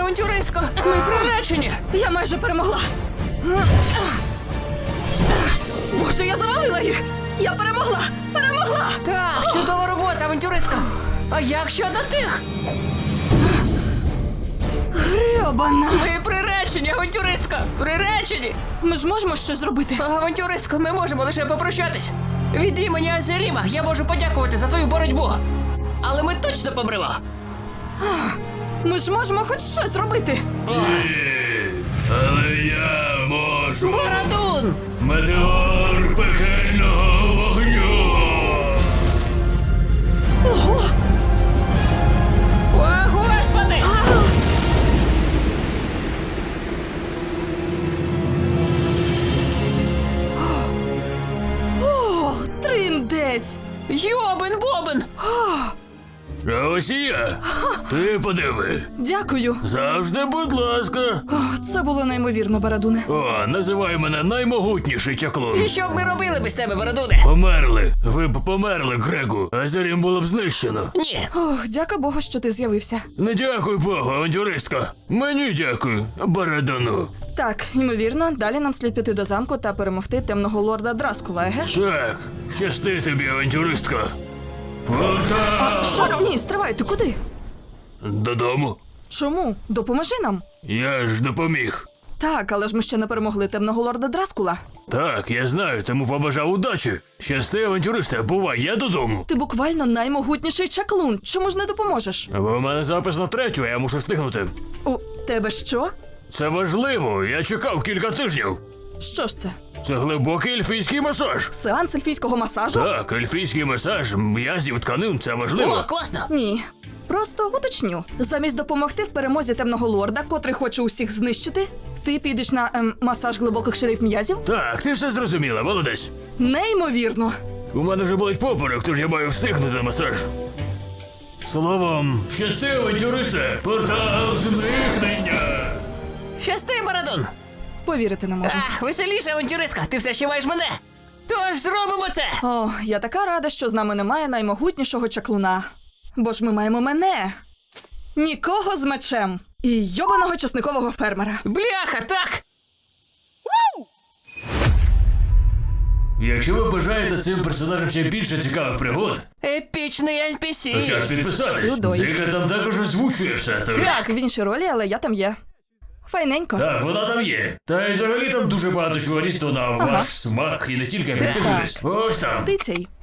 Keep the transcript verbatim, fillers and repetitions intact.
авантюристко! Ми приречені! Я майже перемогла. Боже, я завалила їх! Я перемогла! Перемогла! Так, чудова робота, авантюристка! А як щодо тих? Гребана! Ми приречені, авантюристка! Приречені! Ми ж можемо щось зробити. Авантюристко, ми можемо лише попрощатись. Від імені Азеріма я можу подякувати за твою боротьбу. Але ми точно помремо. Ми ж можемо хоч щось зробити. Ні, але я можу. Борадун! Метеор пекельного вогню. Ого! О, Господи! О, триндець! Йобен бобен! А ось і я. Ти подиви. Дякую. Завжди, будь ласка. О, це було неймовірно, Барадуне. О, називай мене наймогутніший чаклун. І що б ми робили без тебе, Борадуне? Померли. Ви б померли, Грегу. Азерім було б знищено. Ні. Ох, дяка Богу, що ти з'явився. Не дякуй Богу, авантюристка. Мені дякую, Барадану. Так, ймовірно, далі нам слід піти до замку та перемогти темного лорда Драскула, еге ж? Так, щасти тобі, авантюристка. Портал! Що? Ні, стривай, ти куди? Додому. Чому? Допоможи нам. Я ж допоміг. Так, але ж ми ще не перемогли темного лорда Драскула. Так, я знаю, тому побажав удачі. Щасти, авантюристе, бувай, я додому. Ти буквально наймогутніший чаклун. Чому ж не допоможеш? Бо у мене запис на третю, а я мушу встигнути. У тебе що? Це важливо, я чекав кілька тижнів. Що ж це? Це глибокий ельфійський масаж. Сеанс ельфійського масажу? Так, ельфійський масаж, м'язів, тканин, це важливо. О, класно! Ні. Просто уточню. Замість допомогти в перемозі темного лорда, котрий хоче усіх знищити, ти підеш на ем, масаж глибоких шериф м'язів? Так, ти все зрозуміла, молодець. Неймовірно. У мене вже болить поперек, тож я маю встигнути на масаж. Словом, щасти, авантюристе, портал зникнення. Щасти, Борадун! Повірити не можу. Ах, веселіше, авантюристка, ти все ще маєш мене! Тож зробимо це! О, я така рада, що з нами немає наймогутнішого чаклуна. Бо ж ми маємо мене. Нікого з мечем. І йобаного часникового фермера. Бляха, так! Якщо ви бажаєте цим персонажам ще більше цікавих пригод, Епічний ен пі сі! то час підписатись. Сюдой. Дзига там також озвучує все. Тож... Так, в іншій ролі, але я там є. Файненько. Так, вона там є. Та й взагалі там дуже багато чого різного на ваш смак і не тільки підписуйтесь. Ось там. Ти цей.